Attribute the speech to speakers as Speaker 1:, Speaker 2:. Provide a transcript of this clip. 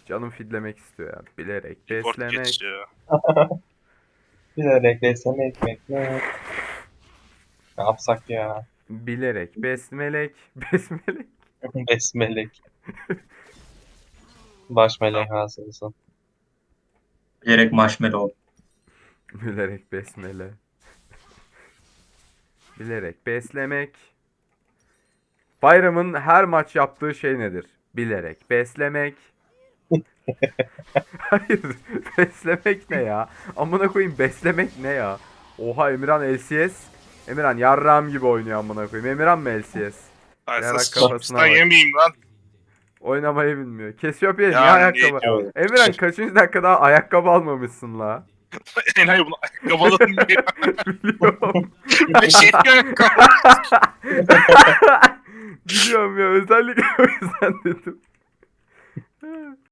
Speaker 1: Canım fidlemek istiyor ya. Bilerek
Speaker 2: Import
Speaker 1: beslemek.
Speaker 2: geçiyor.
Speaker 3: Bilerek beslemek ne yapsak ya?
Speaker 1: Bilerek besmelek. Besmelek.
Speaker 3: Besmelek. Baş
Speaker 2: Tamam.
Speaker 3: melek hasılsın.
Speaker 4: Bilerek marshmallow.
Speaker 1: Bilerek besmele. Bilerek beslemek. Bayramın her maç yaptığı şey nedir? Bilerek beslemek. Hayır. Beslemek ne ya? Amına koyayım beslemek ne ya? Oha Emirhan LCS. Emirhan yarrağım gibi oynuyor amına koyayım. Emirhan mı LCS?
Speaker 2: Ay
Speaker 1: Yarak
Speaker 2: sus
Speaker 1: kafasına
Speaker 2: sen
Speaker 1: bak.
Speaker 2: yemeyeyim lan.
Speaker 1: Oynamayı bilmiyor. Cassiopeia niye
Speaker 2: Ya
Speaker 1: ayakkabı?
Speaker 2: ne diyor?
Speaker 1: Emirhan kaçıncı dakikada ayakkabı almamışsın la?
Speaker 2: Enayi bunu ayakkabıladın diye.
Speaker 1: Biliyorum.
Speaker 2: Ben şey diyorum.
Speaker 1: Biliyorum ya özellikle o yüzden dedim.